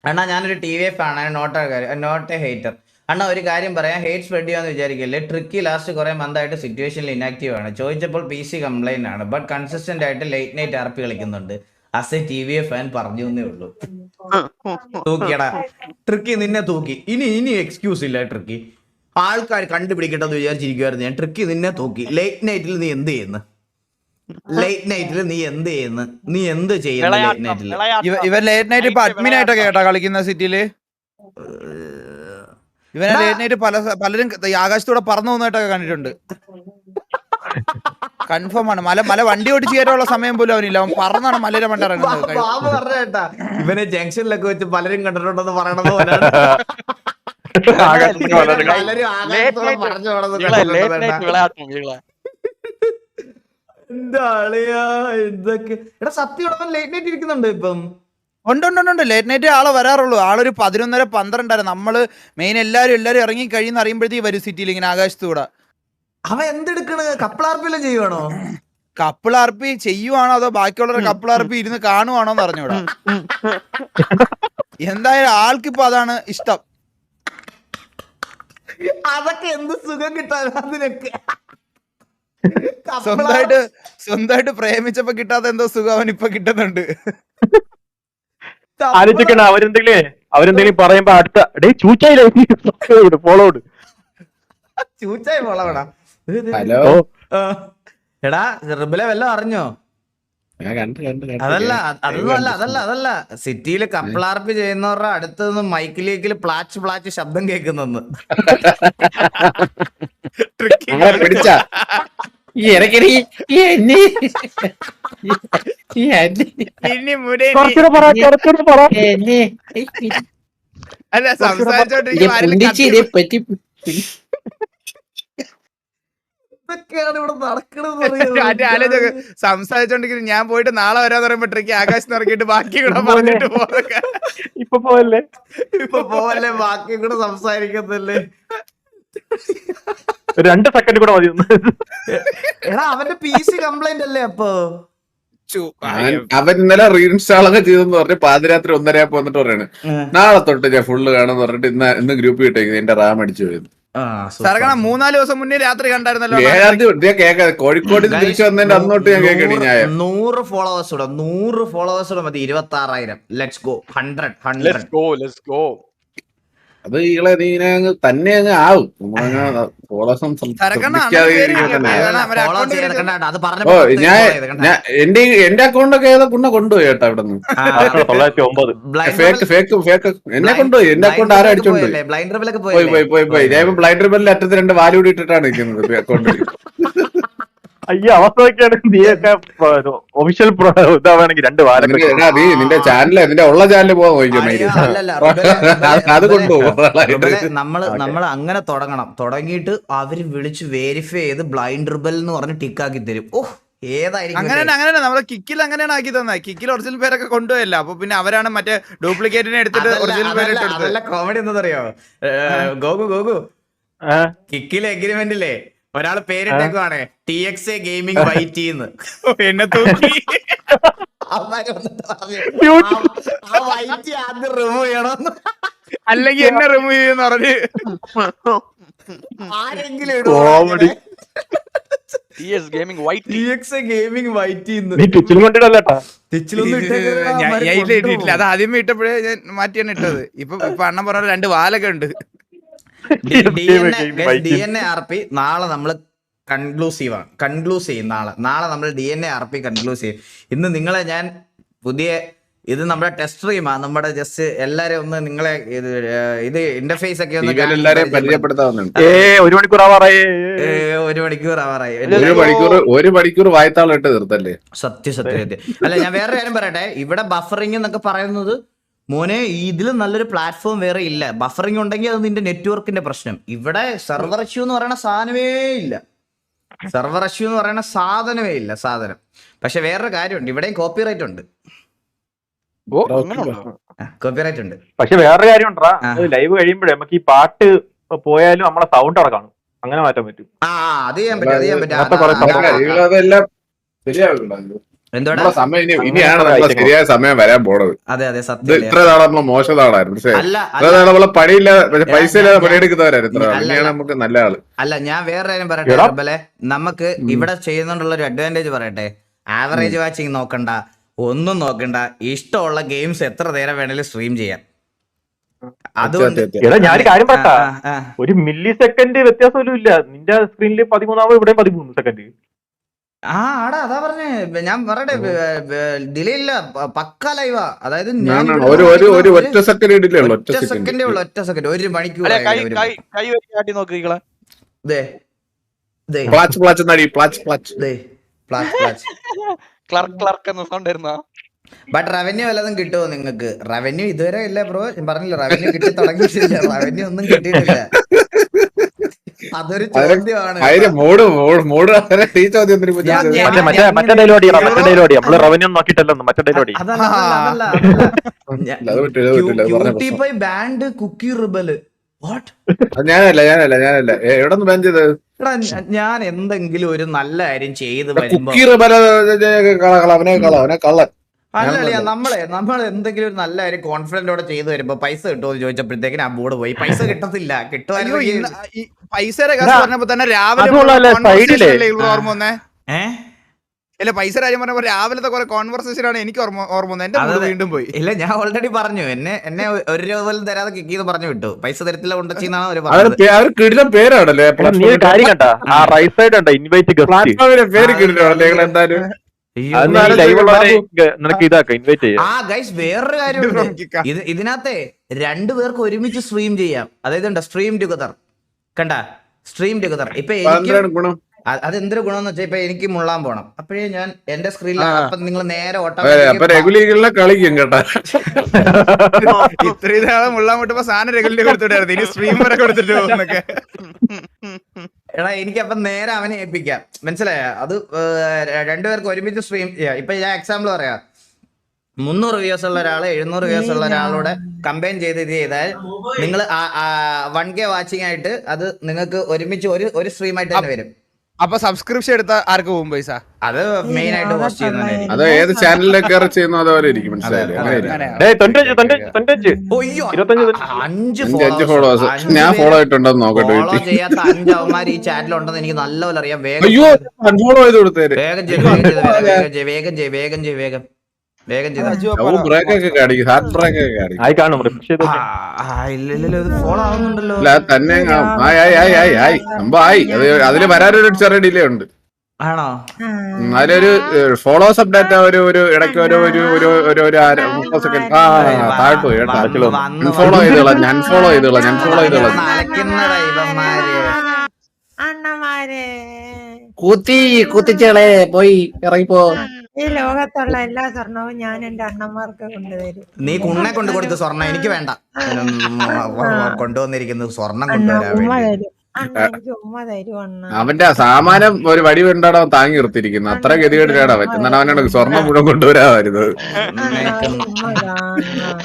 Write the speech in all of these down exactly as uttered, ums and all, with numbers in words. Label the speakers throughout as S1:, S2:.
S1: അണ്ണാ ഞാനൊരു T V F ആണ്, നോട്ട് നോട്ട് എ ഹേറ്റർ. അണ്ണാ ഒരു കാര്യം പറയാം, ഹേറ്റ് സ്പ്രെഡ് ചെയ്യാന്ന് വിചാരിക്കില്ലേ. ട്രിക്കി ലാസ്റ്റ് കുറെ മന്തായിട്ട് സിറ്റുവേഷനിൽ ഇനാക്റ്റീവ് ആണ്. ചോദിച്ചപ്പോൾ പി സി കംപ്ലൈന്റ് ആണ്, ബട്ട് കൺസിസ്റ്റന്റ് ആയിട്ട് ലേറ്റ് നൈറ്റ് ആർ പി കളിക്കുന്നുണ്ട്. As a T V F fan പറഞ്ഞു എന്നേ ഉള്ളൂ. തൂക്കിയടാ ട്രിക്കി, നിന്നെ തൂക്കി. ഇനി ഇനി എക്സ്ക്യൂസ് ഇല്ല ട്രിക്കി. ആൾക്കാർ കണ്ടുപിടിക്കട്ടെന്ന് വിചാരിച്ചിരിക്കുവായിരുന്നു ഞാൻ. ട്രിക്കി നിന്നെ തൂക്കി. ലേറ്റ് നൈറ്റിൽ നീ എന്ത് ചെയ്യുന്നു? ലേറ്റ് നൈറ്റിൽ നീ എന്ത് ചെയ്യുന്നു? നീ എന്ത് ചെയ്യുന്നു ലേറ്റ് നൈറ്റിൽ?
S2: ഇവൻ ലേറ്റ് നൈറ്റ് ഇപ്പൊ അഡ്മിൻ ആയിട്ടൊക്കെ കേട്ടാ കളിക്കുന്ന സിറ്റിയില്. ഇവനെ ലേറ്റ് നൈറ്റ് പല പലരും ആകാശത്തൂടെ പറന്നു പോകുന്നതായിട്ടൊക്കെ കണ്ടിട്ടുണ്ട്. കൺഫേം ആണ്. മല മല വണ്ടി ഓടിച്ച് കയറ്റാനുള്ള സമയം പോലും അവനില്ല. അവൻ പറന്നാണ് മലയുടെ മണ്ട ഇറങ്ങുന്നത്.
S1: പറഞ്ഞേട്ടാ ഇവനെ ജംഗ്ഷനിലൊക്കെ വെച്ച് പലരും കണ്ടിട്ടുണ്ടെന്ന് പറയണത് പോലെയാണ്. എന്താ അളിയാ ഇതൊക്കെ? എടാ സത്യം ലേറ്റ് നൈറ്റ് ഇരിക്കുന്നുണ്ട് ഇപ്പം.
S2: ഉണ്ട് ഉണ്ട് ഉണ്ട് ലേറ്റ് നൈറ്റ് ആളെ വരാറുള്ളൂ. ആളൊരു പതിനൊന്നര പന്ത്രണ്ടായിരുന്നു. നമ്മള് മെയിൻ എല്ലാരും എല്ലാരും ഇറങ്ങി കഴിയുന്ന അറിയുമ്പോഴത്തേക്ക് വരും സിറ്റിയിൽ ഇങ്ങനെ ആകാശത്തൂടെ.
S1: അവൻ എന്തെടുക്കണ്? കപ്പിളാർപ്പിലും ചെയ്യുവാണോ?
S2: കപ്പിളാർപ്പി ചെയ്യുവാണോ അതോ ബാക്കിയുള്ളവരുടെ കപ്പിളാർപ്പി ഇരുന്ന് കാണുവാണോ എന്ന് അറിഞ്ഞൂടാ. എന്തായാലും ആൾക്കിപ്പോ അതാണ് ഇഷ്ടം.
S1: അതൊക്കെ എന്ത് സുഖം കിട്ടാൻ അതിനൊക്കെ.
S2: സ്വന്തമായിട്ട് സ്വന്തമായിട്ട് പ്രേമിച്ചപ്പോ കിട്ടാത്ത എന്തോ സുഖം അവൻ ഇപ്പൊ കിട്ടുന്നുണ്ട്.
S3: ആലോചിക്കണ അവരെന്തെങ്കിലും അവരെന്തെങ്കിലും പറയുമ്പോ അടുത്ത ഡേ ചൂച്ചായി ഫോളോഡ്
S1: ചൂച്ചായി ഫോളോടാ.
S4: ഹലോ
S1: എടാ റിബലെ വല്ലതും അറിഞ്ഞോ? അതല്ല അതൊന്നും അല്ല അതല്ല അതല്ല സിറ്റിയില് കപ്പിളാർപ്പി ചെയ്യുന്നവരുടെ അടുത്ത് നിന്ന് മൈക്കിലേക്കില് പ്ലാച്ച് പ്ലാച്ച് ശബ്ദം കേൾക്കുന്നെന്ന്.
S4: പിടിച്ച
S2: അല്ല സംസാരിച്ചോണ്ടിരിക്കും. സംസാരിച്ചോണ്ടിരിക്കും. ഞാൻ പോയിട്ട് നാളെ വരാന്ന് പറയുമ്പോ ട്രിക്ക് ആകാശത്ത് ഇറക്കിയിട്ട് ബാക്കി കൂടെ പറഞ്ഞിട്ട് പോകാൻ.
S3: ഇപ്പൊ പോവല്ലേ
S1: ഇപ്പൊ പോവല്ലേ ബാക്കി കൂടെ സംസാരിക്കത്തല്ലേ.
S3: രണ്ട് സെക്കൻഡ് കൂടെ മതി.
S1: എടാ അവന്റെ പി സി കംപ്ലൈന്റ് അല്ലേ അപ്പൊ?
S4: അവൻ ഇന്നലെ റീഇൻസ്റ്റാൾ ഒക്കെ ചെയ്തെന്ന് പറഞ്ഞ് പാതിരാത്രി ഒന്നരയാപ്പോ വന്നിട്ട് പറയാണ് നാളെ തൊട്ട് ഞാൻ ഫുള്ള് കാണുന്ന് പറഞ്ഞിട്ട് ഇന്ന് ഇന്ന് ഗ്രൂപ്പ് കിട്ടേക്കുന്നത് എന്റെ റാം അടിച്ചു പോയത്.
S2: സർക്കണം മൂന്നാല് ദിവസം മുന്നേ രാത്രി കണ്ടായിരുന്നല്ലോ.
S4: കേൾക്കാതെ കോഴിക്കോട് തിരിച്ചു വന്നതിന്റെ അന്നോട്ട് ഞാൻ കേൾക്കണി. ഞാൻ
S1: നൂറ് ഫോളോവേഴ്സ് കൂടെ നൂറ് ഫോളോവേഴ്സ് കൂടെ മതി. ഇരുപത്തി ആറായിരം. Let's go. ഹൺഡ്രഡ് ഹൺഡ്രഡ്
S4: അത് ഈകളെ നീ അങ്ങ് തന്നെ അങ്ങ് ആവും. ഞാൻ എന്റെ എന്റെ അക്കൗണ്ടൊക്കെ ഏതാ കുണ്ണ കൊണ്ടുപോയി കേട്ടോ അവിടെ നിന്ന്.
S3: തൊള്ളായിരത്തി ഒമ്പത്
S4: ഫേക്ക് ഫേക്ക് ഫേക്ക് എന്നെ കൊണ്ടുപോയി. എന്റെ അക്കൗണ്ട് ആരും അടിച്ചോണ്ട് പോയി പോയി പോയി പോയി ഞാൻ അറ്റത്ത് രണ്ട് വാലൂടി ഇട്ടിട്ടാണ് നിൽക്കുന്നത് അക്കൗണ്ട്.
S3: അയ്യോ അവസ്ഥയൊക്കെയാണ്. നീയൊക്കെ ഒഫീഷ്യൽ ഇതാണെങ്കിൽ രണ്ട് വാരം
S4: നീ നിന്റെ ചാനൽ നിന്റെ ഉള്ള ചാനൽ പോകാൻ നോക്കിയോ. അത് കൊണ്ടുപോകും.
S1: നമ്മള് നമ്മൾ അങ്ങനെ തുടങ്ങണം. തുടങ്ങിയിട്ട് അവര് വിളിച്ച് വെരിഫൈ ചെയ്ത് ബ്ലൈൻഡ് റിബൽ എന്ന് പറഞ്ഞ് ടിക്കാക്കി തരും. ഓഹ് ഏതായിരിക്കും
S2: അങ്ങനെ അങ്ങനെയാണ് നമ്മളെ കിക്കിൽ അങ്ങനെയാണ് ആക്കി തന്നെ. കിക്കിൽ ഒറിജിനൽ പേരൊക്കെ കൊണ്ടുപോയല്ല. അപ്പൊ പിന്നെ അവരാണ് മറ്റേ ഡ്യൂപ്ലിക്കേറ്റിനെ എടുത്തിട്ട് ഒറിജിനൽ പേര്.
S1: അതല്ല കോമഡി എന്താ ഗോകു ഗോകു കിക്കിലെ എഗ്രിമെന്റില്ലേ ഒരാള് പേരിട്ടേക്കുവാണ് ടി എക്സ് എ ഗെയിമിംഗ് വൈറ്റി എന്ന്.
S2: എന്നെ തൂക്കി
S1: വൈറ്റി ആദ്യം റിമൂവ് ചെയ്യണമെന്ന്,
S2: അല്ലെങ്കിൽ എന്നെ റിമൂവ് ചെയ്യുന്ന പറഞ്ഞ്
S1: ആരെങ്കിലും
S2: ഇട്ടിട്ടില്ല. അത് ആദ്യമേ ഇട്ടപ്പോഴേ ഞാൻ മാറ്റിയാണ് ഇട്ടത്. ഇപ്പൊ ഇപ്പൊ അണ്ണൻ പറഞ്ഞ രണ്ട് വാലൊക്കെ ഉണ്ട്.
S1: D N A R P നാളെ നമ്മള് കൺക്ലൂസീവ് ആണ് കൺക്ലൂസ് ചെയ്യും. നാളെ നാളെ നമ്മൾ D N A R P conclude ചെയ്യും. ഇന്ന് നിങ്ങളെ ഞാൻ പുതിയ ഇത് നമ്മുടെ ടെസ്റ്റ് സ്ട്രീമാ. നമ്മുടെ ജസ്റ്റ് എല്ലാരും ഒന്ന് നിങ്ങളെ ഇത് ഇത് ഇന്റർഫേസ് ഒക്കെ ഒന്ന്
S4: പരിചയപ്പെടുത്താവുന്നുണ്ട്.
S3: ഒരു മണിക്കൂർ ആവാറായി.
S1: ഒരു മണിക്കൂർ ആവാറായി.
S4: ഒരു മണിക്കൂർ ഒരു മണിക്കൂർ വായത്താളിട്ട് തീർത്തല്ലേ.
S1: സത്യം സത്യം സത്യം. അല്ല ഞാൻ വേറെ കാര്യം പറയട്ടെ. ഇവിടെ ബഫറിംഗ് എന്നൊക്കെ പറയുന്നത് മോനെ ഇതിൽ നല്ലൊരു പ്ലാറ്റ്ഫോം വേറെ ഇല്ല. ബഫറിംഗ് ഉണ്ടെങ്കിൽ അത് നിന്റെ നെറ്റ്വർക്കിന്റെ പ്രശ്നം. ഇവിടെ സെർവർ ഇഷ്യൂ എന്ന് പറയുന്ന സാധനമേ ഇല്ല. സെർവർ ഇഷ്യൂ എന്ന് പറയുന്ന സാധനമേ ഇല്ല സാധനം. പക്ഷെ വേറൊരു കാര്യമുണ്ട്, ഇവിടെയും കോപ്പിറൈറ്റ് ഉണ്ട്. കോപ്പിറൈറ്റ് ഉണ്ട്.
S3: പക്ഷെ വേറൊരു കാര്യം ഉണ്ടാ, ലൈവ് കഴിയുമ്പോഴേ നമുക്ക് ഈ പാട്ട് പോയാലും നമ്മളെ സൗണ്ട് അവിടെ കാണും. അങ്ങനെ മാറ്റാൻ പറ്റും.
S1: ആ അത് ചെയ്യാൻ പറ്റും അത് ചെയ്യാൻ പറ്റും. എന്തോടാ
S4: നമ്മളെ സമയം ഇനി ഇനിയാണ് നമ്മളെ ശരിയായ സമയം വരാൻ പോണത്.
S1: അതെ അതെ
S4: ഇത്
S1: സത്യം
S4: ഇത്ര നാളെ നമ്മളെ മോശം നാളായിരുന്നു. പക്ഷേ
S1: അല്ല
S4: ഇത്ര നാളെ നമ്മളെ പണിയില്ലാതെ പൈസ ഇല്ലാതെ
S1: ഞാൻ-
S4: പണിയെടുക്കുന്നവരായിരുന്നു ഇത്ര നാൾ.
S1: അല്ല,
S4: ഇനിയാണ്
S1: അല്ല.
S4: നമുക്ക് നല്ല ആള്.
S1: അല്ല ഞാൻ വേറെ കാര്യം പറയട്ടെ
S3: എടാ.
S1: റബ്ബലെ, നമുക്ക് ഇവിടെ ചെയ്യുന്നോണ്ടുള്ള ഒരു അഡ്വാൻറ്റേജ് പറയട്ടെ. ആവറേജ് വാച്ചിങ് നോക്കണ്ട, ഒന്നും നോക്കണ്ട, ഇഷ്ടമുള്ള ഗെയിംസ് എത്ര നേരം വേണേലും സ്ട്രീം ചെയ്യാം. അതുകൊണ്ട്
S4: അത്യാവശ്യം.
S3: എടാ ഞാനൊരു കാര്യം പറട്ടാ,
S1: ആ, ആ, ആ.
S3: ഒരു മില്ലി സെക്കൻഡ് വ്യത്യാസം പോലും ഇല്ല. നിന്റെ സ്ക്രീനിൽ പതിമൂന്നാമത് ഇവിടെ പതിമൂന്ന് സെക്കൻഡ്.
S1: ആ ആടാ അതാ പറഞ്ഞേ, ഞാൻ പറയട്ടെ ഡിലേ ഇല്ല, പ- പക്കാ ലൈവാ. അതായത് ഞാൻ
S4: ഞാൻ
S1: ഇവിടെ
S4: ഒരു ഒരു ഒരു
S1: നോക്കുന്ന
S4: ഒറ്റ സെക്കൻഡ് ഇടില്ലേ ഉള്ളൂ. ഒറ്റ
S1: ഒറ്റ
S4: സെക്കൻഡ്.
S1: സെക്കൻഡേ ഉള്ളു, ഒറ്റ സെക്കൻഡ്, ഒരു മണിക്കൂർ
S5: അല്ലെ കൈ കൈ കൈ വെച്ച് കാട്ടി നോക്ക് ഈകളെ.
S1: ദേ ദേ
S4: പ്ലാച്ച് പ്ലാച്ച് നടി പ്ലാച്ച് പ്ലാച്ച്.
S1: ദേ പ്ലാച്ച് പ്ലാച്ച്.
S5: ക്ലർക്ക് ക്ലർക്ക് എന്ന സൗണ്ട് വരുന്ന
S1: ബട്ട് റവന്യൂ വല്ലതും കിട്ടുമോ നിങ്ങൾക്ക്? റവന്യൂ ഇതുവരെ ഇല്ല ബ്രോ, ഞാൻ പറഞ്ഞില്ല റവന്യൂ കിട്ടി തുടങ്ങിയിട്ടില്ല, റവന്യൂ ഒന്നും കിട്ടിയിട്ടില്ല. അതൊരു ചോദ്യമാണ്.
S4: അതിന് മൂട് മൂട് മൂട് ഈ ചോദ്യം എന്തിനു ചോദിച്ചത്?
S1: ഞാൻ- ഞാൻ-
S3: മറ്റേ മറ്റേ മറ്റേ ഡയലോഗ് മറ്റേ ഡയലോഗ് നമ്മള് റവന്യൂ നോക്കിയിട്ടല്ലോ മറ്റേ ഡയലോഗ്.
S1: അതല്ല, അതല്ല, അതല്ല, അതല്ല.
S4: അത് പറ്റില്ല, അത് പറ്റില്ല, അത് പറഞ്ഞ
S1: cutie pie band cookie rebel. What?
S4: അത് ഞാനല്ല ഞാനല്ല ഞാനല്ല എ, എവിടെ നിന്ന് ബാൻ ചെയ്തത്?
S1: എടാ ഞ- ഞാൻ എന്തെങ്കിലും ഒരു നല്ല കാര്യം ചെയ്ത് വരുമ്പോ
S4: കുക്കീർ ബല കള കള അവനെ കള അവനെ കള്ളൻ.
S1: അല്ലല്ല, നമ്മളെ നമ്മൾ എന്തെങ്കിലും ഒരു നല്ല കാര്യം കോൺഫിഡന്റോടെ ചെയ്തു വരുമ്പോ പൈസ കിട്ടുമോ എന്ന് ചോദിച്ചപ്പോഴത്തേക്കിന് ആ ബോർഡ് പോയി. പൈസ കിട്ടത്തില്ല.
S2: അയ്യോ,
S1: കിട്ടുമായിരുന്നെങ്കിൽ
S2: ഇന്ന് ഈ പൈസയുടെ കാര്യം
S3: എടാ,
S2: പറഞ്ഞപ്പോ തന്നെ രാവിലെ
S3: അതുകൊള്ളാല്ലേ,
S2: conversation
S3: സൈഡിലെ.
S2: അല്ലേ ഇവിടെ ഓർമ്മ വന്നേ?
S1: ഏഹ്
S2: അല്ല പൈസ കാര്യം പറഞ്ഞപ്പോ രാവിലത്തെ കുറെ കോൺവെർസേഷൻ ആണ് എനിക്ക് ഓർമ്മ ഓർമ്മ വന്നത്. എന്റെ മൂഡ്
S1: അതെ.
S2: വീണ്ടും പോയി.
S1: ഇല്ല, ഞാൻ ഓൾറെഡി പറഞ്ഞു, എന്നെ എന്നെ ഒരു രൂപ പോലും തരാതെ കിക്ക് ചെയ്ത് പറഞ്ഞു വിട്ടു. പൈസ തരത്തില്ല കൊണ്ടുവച്ചാണ് അവര്
S4: അവര്
S1: പറഞ്ഞത്.
S4: പേ- അവര് കിടിലൻ പേരാണല്ലേ
S3: നീ ഒരു കാര്യം കണ്ട ആ റൈറ്റ് സൈഡ് ഉണ്ട് ഇൻവൈറ്റ് ഗസ്റ്റ്.
S4: പ്ലാറ്റ്ഫോമിന്റെ പേര് കിടിലാണല്ലേ നിങ്ങൾ എന്തായാലും.
S1: അയ്യോ.
S3: അത് നീ ലൈവ് ഉള്ളവരെ നിനക്ക് ഇതാക്കാം ഇൻവൈറ്റ് ചെയ്യാം.
S1: ആ ഗൈസ് വേറൊരു കാര്യമുണ്ട്. ഇത് ഇതിനകത്തെ രണ്ടു പേർക്ക് ഒരുമിച്ച് സ്ട്രീം ചെയ്യാം. അതായത് സ്ട്രീം ടുഗദർ കണ്ട, സ്ട്രീം ടുഗദർ. ഇപ്പൊ എനിക്ക്
S4: എന്താണ് ഗുണം?
S1: അ- അതെന്തൊരു ഗുണമെന്ന് വെച്ചാൽ ഇപ്പൊ എനിക്ക് മുള്ളാൻ പോണം, അപ്പോഴേ ഞാൻ എന്റെ സ്ക്രീനിൽ അപ്പൊ നിങ്ങൾ നേരെ
S4: അതെ, അപ്പൊ
S1: ഓട്ടോമാറ്റിക്
S4: റെഗുലറിലെ കളിക്കും കേട്ടാ.
S2: ഇത്രയും നാളെ മുള്ളാൻ വിട്ടപ്പോ സാധനം റെഗുലർ കൊടുത്തിട്ടായിരുന്നു, ഇനി സ്ട്രീം വരെ കൊടുത്തിട്ട് പോകുന്നൊക്കെ.
S1: എടാ എനിക്ക് അപ്പൊ നേരെ അവനെ ഏൽപ്പിക്കാം. മനസ്സിലായ? അത് ഏർ, രണ്ടുപേർക്ക് ഒരുമിച്ച് സ്ട്രീം ചെയ്യാം. ഇപ്പൊ ഞാൻ എക്സാമ്പിൾ പറയാം, മുന്നൂറ് വ്യൂസ് ഉള്ള ഒരാള് എഴുന്നൂറ് വ്യൂസ് ഉള്ള ഒരാളോട് കമ്പൈൻ ചെയ്ത് ഇത് ചെയ്താൽ നിങ്ങൾ വൺ കെ വാച്ചിങ് ആയിട്ട് അത് നിങ്ങൾക്ക് ഒരുമിച്ച് ഒരു ഒരു സ്ട്രീം ആയിട്ട് തന്നെ വരും.
S2: അപ്പൊ സബ്സ്ക്രിപ്ഷൻ എടുത്ത ആർക്ക് പോകും പൈസ?
S1: അത് മെയിൻ ആയിട്ട് ഹോസ്റ്റ് ചെയ്യുന്നതായിരിക്കും.
S4: അത് ഏത് ചാനലിലേക്ക് കയറി ചെയ്യുന്നോ അതുപോലെ ഇരിക്കും. മനസ്സിലായില്ലേ? അങ്ങനെയായിരിക്കും.
S2: അങ്ങനെയാ.
S3: ഡേയ് തൊണ്ണൂറ്റഞ്ച് തൊണ്ണൂറ്റഞ്ച് തൊണ്ണൂറ്റഞ്ച്
S1: ഒയ്യോ,
S3: ഇരുപത്തഞ്ച്
S1: അ- അഞ്ച്
S4: അഞ്ച് അഞ്ച്
S1: followers.
S4: ഫോളോവേഴ്സ്
S1: അഞ്ച്
S4: ഞാൻ
S1: പേര്
S4: ഫോളോ ആയിട്ടുണ്ടെന്ന് നോക്കട്ടെ
S1: ഫോളോ
S4: വീട്ടിൽ.
S1: ചെയ്യാത്ത അഞ്ച് അവന്മാർ ഈ ചാറ്റിലുണ്ടെന്ന് എനിക്ക് നല്ലപോലെ അറിയാം. വേഗം
S4: അയ്യോ അൺഫോളോ ചെയ്ത് കൊടുത്തേര്.
S1: വേഗം ചെയ്ത് വേഗം ചെയ്ത് വേഗം ചെയ്ത് വേഗം ചെയ്ത് വേഗം ചെയ്ത് വേഗം വേഗം ചെയ്ത്
S4: അവൻ ബ്രേക്ക് ഒക്കെ കാണിക്കും, ഹാർട്ട് ബ്രേക്ക് ഒക്കെ കാണിക്കും.
S3: ആയി കാണും refresh ചെയ്ത്
S1: ആ,
S3: നോക്ക്.
S1: ആ, ഇല്ല ഇല്ല ഇത് ഫോളോ ആവുന്നുണ്ടല്ലോ.
S4: അല്ല അത് തന്നെ കാണും. ആയി ആയി ആയി ആയി ആയി സംഭവം ആയി. അത് അതില് വരാനൊരു ചെറിയ ഡിലേ ഉണ്ട്.
S1: ആണോ?
S4: ഉം, അതിലൊരു ഫോളോസ് അപ്ഡേറ്റ് ഒരു ഒരു ഇടയ്ക്ക് ഒരു ഒരു ഒരു ഒരു ഒരു അര- മുപ്പത് സെക്കൻഡ് ആ താഴോട്ട് പോയി കേട്ടോ.
S1: വന്ന് വന്ന്
S4: അൺഫോളോ ചെയ്തോളാം ഞാൻ ഫോളോ ചെയ്തോളാം ഞാൻ ഫോളോ ചെയ്തോളാം.
S1: അലക്കുന്നതാ ഇവന്മാര്.
S6: അണ്ണന്മാരെ
S4: കൂത്തി കൂത്തിച്ചേളെ പോയി ഇറങ്ങിപ്പോ.
S6: ഈ ലോകത്തുള്ള എല്ലാ സ്വർണവും ഞാൻ എന്റെ അണ്ണന്മാർക്ക് കൊണ്ടുതരും.
S1: നീ കുണ്ണെ കൊണ്ട് കൊടുത്ത സ്വർണ്ണം എനിക്ക് വേണ്ട. ഉം, കൊണ്ടുവന്നിരിക്കുന്നത് സ്വർണം
S6: അണ്ണ
S1: കൊണ്ടുവരാൻ
S6: ഉമ്മ
S1: വേണ്ടി.
S6: തരും. അണ്ണ എനിക്ക് ഉമ്മ തരും അണ്ണ.
S4: അവന്റെ സാമാനം ഒരു വടി വേണ്ടാണ് അവൻ താങ്ങി നിർത്തിയിരിക്കുന്നത്. അത്ര ഗതികേടിലാണ് അവൻ. എന്നാണ് അവനോട് സ്വർണം മുഴുവൻ കൊണ്ടുവരാൻ വരുന്നത്.
S6: അണ്ണ ഉമ്മ താ അണ്ണ.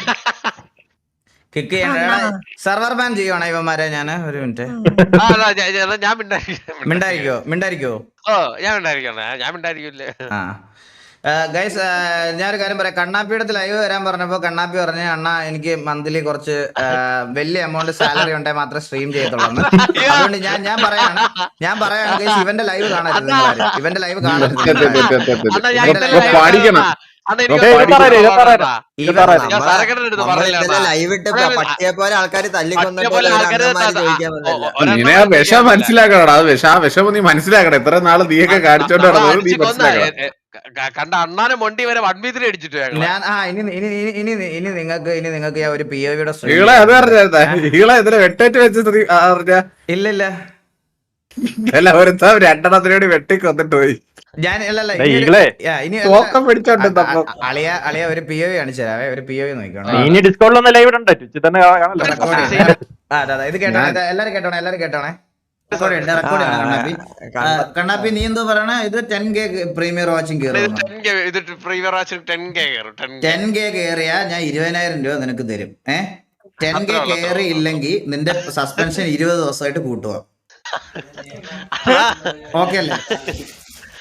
S1: കിക്ക് ചെയ്യണ്ട. സെർവർ ബാൻ ചെയ്യുവാണ് ഇവന്മാരെ. ഞാന് ഒരു മിനിറ്റ്
S7: ആ, അതാ, ഞാൻ- ഞാൻ- ഞാൻ മിണ്ടായിരിക്കും.
S1: മിണ്ടായിരിക്കോ മിണ്ടായിരിക്കോ
S7: ഓ ഞാൻ മിണ്ടായിരിക്കണം ഞാൻ മിണ്ടായിരിക്കില്ലേ.
S1: ആ ഗൈസ്, ഞാനൊരു കാര്യം പറയാം. കണ്ണാപ്പിയുടെ ലൈവ് വരാൻ പറഞ്ഞപ്പോ കണ്ണാപ്പി പറഞ്ഞു, അണ്ണാ എനിക്ക് മന്ത്ലി കുറച്ച് ആ, വലിയ എമൗണ്ട് സാലറി ഉണ്ടെങ്കിൽ മാത്രമേ സ്ട്രീം ചെയ്യത്തുള്ളൂ. അതുകൊണ്ട് ഞാൻ ഞാൻ പറയാണ് ഞാൻ പറയാണ് ഗൈസ്, ഇവന്റെ ലൈവ് കാണരുത് നിങ്ങളാരും. ഇവന്റെ ലൈവ് കാണരുത് നിങ്ങളാരും.
S7: അണ്ണാ, ഞാൻ
S4: ഇപ്പൊ
S7: ഇന്നലെ
S4: പഠിക്കണം.
S7: അണ്ണാ, എനിക്ക്
S3: ഏയ്,
S7: ഒരു
S3: ഇരുപത്താറ്, ഇരുപത്താറ്.
S1: ഇവൻ
S7: ഞാൻ സരക്കടയുടെ അടുത്ത് പറഞ്ഞില്ല
S8: ലൈവ് ഇട്ട്
S7: അണ്ണാ.
S8: പട്ടിയെ പോലെ ആൾക്കാർ
S7: പട്ടിയെ
S8: തല്ലിക്കൊന്നിട്ട്
S7: പോലെ ആൾക്കാര്
S8: ചോദിക്കാൻ
S7: ഓ,
S8: പറ്റില്ല.
S7: ഒരെണ്ണം
S4: നിന്നെ ആ വിഷം മനസ്സിലാക്കണടാ. അത് വിഷം ആ വിഷം നീ മനസ്സിലാക്കണം. ഇത്ര നാള് നീയൊക്കെ കാണിച്ചോണ്ട്
S7: അണ്ണാ,
S4: നടന്നത് നീ
S7: അടിച്ച് കൊന്ന,
S4: മനസ്സിലാക്കണം.
S7: എ, എ, ക- കണ്ട അണ്ണാനെ മൊണ്ടി വരെ വൺ വീതിൽ അടിച്ചിട്ട് ഞങ്ങള്.
S1: ഞാൻ ആ ഇനി ഇനി ഇനി ഇനി ഇനി നിങ്ങൾക്ക് ഇനി നിങ്ങൾക്ക് ഞാൻ ഒരു പി ഒ വിയുടെ
S4: ഈളെ അത് പറഞ്ഞാ ഈളെ ഇതിലെ വെട്ടേറ്റ് വെച്ച് സ്ത്രീ അറിഞ്ഞ
S1: ഇല്ല ഇല്ല
S4: അല്ല ഒരുത്ത രണ്ടെണ്ണത്തിനോട് വെട്ടി കൊന്നിട്ട് പോയി.
S1: ഞാൻ അല്ലല്ല
S3: ഡേയ്,
S1: ഇനി ഒരു-
S3: ഈകളെ.
S1: യാ, ഇനി
S4: തോക്കം പിടിച്ചോണ്ട്
S1: അ- അ- അ- അളിയ അളിയ ഒരു പി ഒ വി കാണിച്ചു തരാവേ. ഒരു പി ഒ വി നോക്കിക്കോണം.
S3: ഇനി ഡിസ്കൗണ്ടിലൊന്നും ലൈവ് ഇടണ്ട ട്വിച്ചിൽ തന്നെ കാണല്ലോ.
S1: റെക്കോർഡ് ചെയ്യാം. ആ, അതെ, അതെ, ഇത് കേട്ടോ. ഇത് എല്ലാരും കേട്ടോണേ എല്ലാരും കേട്ടോണേ. റെക്കോർഡ് ഉണ്ട് റെക്കോർഡ് ആണ് കണ്ണാപ്പി. ആ, കണ്ണാപ്പി നീ എന്തോ പറയണ? ഇത് ടെൻ കെ പ്രീമിയർ വാച്ചിങ്
S7: ഇത്
S1: കയറും.
S7: ടെൻ കെ ഇത് പ്രീവിയർ വാച്ചിൽ ടെൻ കെ കയറും ടെൻ കെ.
S1: ടെൻ കെ കയറിയാ ഞാൻ ഇരുപതിനായിരം രൂപ നിനക്ക് തരും. ഏഹ് ടെൻ കെ
S7: അത്രേ ഉള്ളൂ,
S1: കയറി ഇല്ലെങ്കിൽ നിന്റെ സസ്പെൻഷൻ ഇരുപത് ദിവസമായിട്ട് കൂട്ടുക. ഓക്കെ അല്ലേ?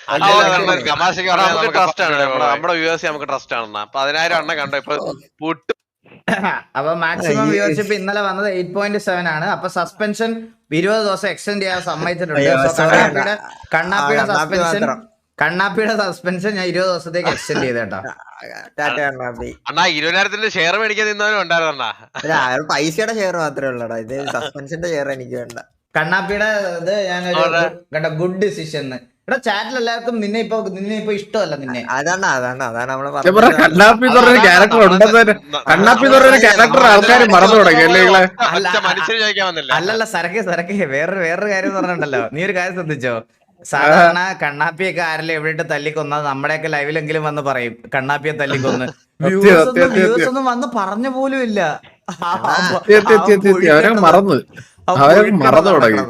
S7: തമാശക്ക് പറഞ്ഞാൽ നമുക്ക് ട്രസ്റ്റ് ആണ് നമ്മുടെ നമ്മുടെ വ്യൂവേഴ്സ് നമുക്ക് ട്രസ്റ്റ് ആണ്. പതിനായിരം എണ്ണം കണ്ടോ ഇപ്പൊ പുട്ട്.
S1: അപ്പൊ മാക്സിമം വ്യൂവർഷിപ്പ് ഇന്നലെ വന്നത് എയ്റ്റ് പോയിന്റ് സെവൻ ആണ്. അപ്പൊ സസ്പെൻഷൻ ഇരുപത് ദിവസം എക്സ്റ്റെൻഡ് ചെയ്യാൻ സമ്മതിച്ചിട്ടുണ്ട്. കണ്ണാപ്പിയുടെ കണ്ണാപ്പിയുടെ സസ്പെൻഷൻ കണ്ണാപ്പിയുടെ സസ്പെൻഷൻ ഞാൻ ഇരുപത് ദിവസത്തേക്ക് എക്സ്റ്റെൻഡ് ചെയ്തേട്ടാ.
S7: അണ്ണാ ഇരുപതിനായിരത്തിന്റെ ഷെയർ മേടിക്കാൻ നിന്നവനും ഉണ്ടായിരുന്ന
S8: പൈസയുടെ ഷെയർ മാത്രമേ ഉള്ളടാ, ഇത് സസ്പെൻഷന്റെ ഷെയർ എനിക്ക് വേണ്ട.
S1: കണ്ണാപ്പിയുടെ ഇത് ഞാനൊരു കേട്ടോ ഗുഡ് ഡിസിഷൻ. എടാ ചാറ്റിൽ എല്ലാവർക്കും നിന്നെ ഇപ്പൊ നിന്നെ ഇപ്പൊ ഇഷ്ടമല്ല നിന്നെ.
S8: അതാണ് അതാണ് അതാണ് നമ്മള്
S4: കണ്ണാപ്പി എന്ന് പറഞ്ഞ ക്യാരക്ടർ ഉണ്ടെന്ന് കണ്ണാപ്പി എന്ന് പറഞ്ഞ ക്യാരക്ടർ ആൾക്കാർ മറന്നു തുടങ്ങി അല്ലേ?
S7: മനുഷ്യന് ചോദിക്കാൻ വന്നില്ല.
S1: അല്ലല്ല സരക്കെ സരക്കെ വേറൊരു വേറൊരു കാര്യം പറഞ്ഞിട്ടുണ്ടല്ലോ. നീ ഒരു കാര്യം ശ്രദ്ധിച്ചോ? സാധാരണ കണ്ണാപ്പിയൊക്കെ ആരെല്ലാം എവിടെ തല്ലിക്കൊന്നത് നമ്മുടെയൊക്കെ ലൈവിലെങ്കിലും വന്ന് പറയും കണ്ണാപ്പിയെ തല്ലിക്കൊന്ന്. വ്യൂസ് ഒന്നും വന്ന് പറഞ്ഞ പോലും ഇല്ല.
S4: അവരെ മറന്നു അവരെ മറന്നു തുടങ്ങി.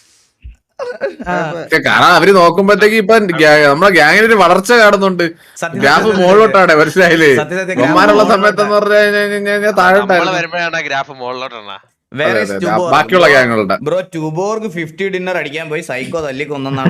S4: കാരണം അവര് നോക്കുമ്പോഴത്തേക്ക് ഇപ്പൊ നമ്മളെ ഗ്യാങ്ങിന് ഒരു വളർച്ച കാണുന്നുണ്ട്. ഗ്രാഫ് മുകളിലോട്ടാണ് മനസ്സിലായില്ലേ? ബഹുമാനുള്ള സമയത്തെന്ന് പറഞ്ഞു കഴിഞ്ഞാൽ താഴെ
S7: വരുമ്പോഴാണ് ഗ്രാഫ് മുകളിലോട്ടാണ്.
S4: ബാക്കിയുള്ള ഗ്യാങ്ങുകളുടെ
S1: ബ്രോ ട്യൂബോർഗ് ഫിഫ്റ്റി ഡിന്നർ അടിക്കാൻ പോയി സൈക്കോ തല്ലിക്കൊന്നാണ്.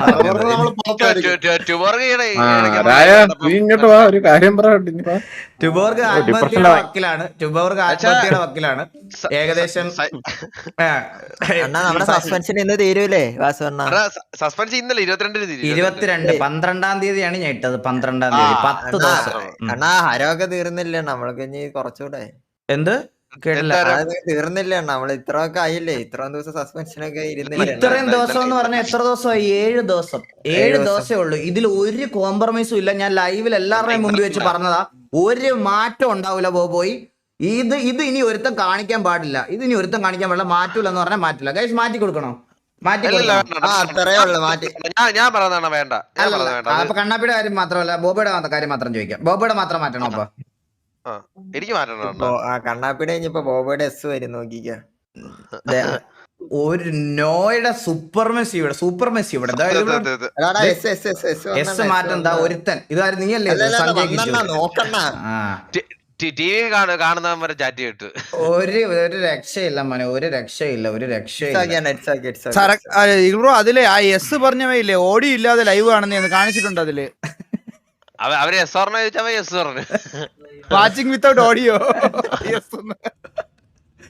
S4: നീ ഇങ്ങോട്ട് വാ, ഒരു കാര്യം പറയാ.
S1: ട്യൂബോർഗ് ആത്മഹത്യയുടെ വക്കിലാണ്. ട്യൂബോർഗ് ആത്മഹത്യയുടെ വക്കിലാണ്. ഏകദേശം
S8: നമ്മുടെ സസ്പെൻഷൻ ഇന്ന് തീരൂലേ വാസുവണ്ണ?
S7: സസ്പെൻഷൻ ഇന്നലെ ഇരുപത്തിരണ്ടിന്
S1: ഇരുപത്തിരണ്ട് പന്ത്രണ്ടാം തീയതിയാണ് ഞാൻ ഇട്ടത്. പന്ത്രണ്ടാം തീയതി പത്ത് ദിവസം.
S8: അണ്ണാ ഹരമൊക്കെ തീർന്നില്ല, നമ്മൾക്ക് ഇനി കുറച്ചുകൂടെ.
S1: എന്ത് കേട്ടില്ല?
S8: തീർന്നില്ല നമ്മള് ഇത്രയൊക്കെ ആയില്ലേ, ഇത്രയും ദിവസം സസ്പെൻഷൻ ഒക്കെ ഇരുന്നില്ല.
S1: ഇത്രയും ദിവസം എന്ന് പറഞ്ഞാൽ എത്ര ദിവസമായി? ഏഴ് ദിവസം. ഏഴ് ദിവസമേ ഉള്ളൂ. ഇതിൽ ഒരു കോംപ്രമൈസും ഇല്ല. ഞാൻ ലൈവിൽ എല്ലാവരുടെയും മുമ്പിൽ വെച്ച് പറഞ്ഞതാ, ഒരു മാറ്റം ഉണ്ടാവില്ല ബോബോയി. ഇത് ഇത് ഇനി ഒരുത്തം കാണിക്കാൻ പാടില്ല. ഇത് ഇനി ഒരുത്തം കാണിക്കാൻ പാടില്ല. മാറ്റൂല എന്ന് പറഞ്ഞാൽ മാറ്റില്ല. ഗൈസ് മാറ്റി കൊടുക്കണോ? മാറ്റി
S8: അത്രേ ഉള്ളു മാറ്റി.
S7: ഞാൻ പറഞ്ഞതാണ് വേണ്ട.
S1: അപ്പൊ കണ്ണാപ്പിയുടെ കാര്യം മാത്രമല്ല ബോബയുടെ കാര്യം മാത്രം ചോദിക്കാം. ബോബയുടെ മാത്രം മാറ്റണം. അപ്പൊ
S7: എനിക്ക് മാറ്റണം.
S8: കണ്ണാപ്പിയുടെ കഴിഞ്ഞപ്പോ ബോബയുടെ എസ് വരും നോക്കിക്ക.
S1: ഒരു നോയുടെ സൂപ്പർ മെസ്സി ഇവിടെ സൂപ്പർ മെസ്സി ഇവിടെ എസ് മാറ്റം എന്താ ഒരുത്തൻ ഇതാരും നീയല്ലേ
S8: നോക്കണ്ട.
S7: ടി വി കാണുന്നവരെ ചാറ്റ് കിട്ടു.
S1: ഒരു ഒരു രക്ഷയില്ല മോനെ, ഒരു രക്ഷയില്ല, ഒരു രക്ഷയില്ല.
S2: ബ്രോ അതിലെ ആ എസ് പറഞ്ഞവയില്ലേ ഓഡിയോ ഇല്ലാതെ ലൈവ് കാണുന്ന കാണിച്ചിട്ടുണ്ട്. അതില്
S7: അവര് എസ് പറഞ്ഞ ചോദിച്ചാൽ എസ് പറഞ്ഞു.
S2: Watching without audio.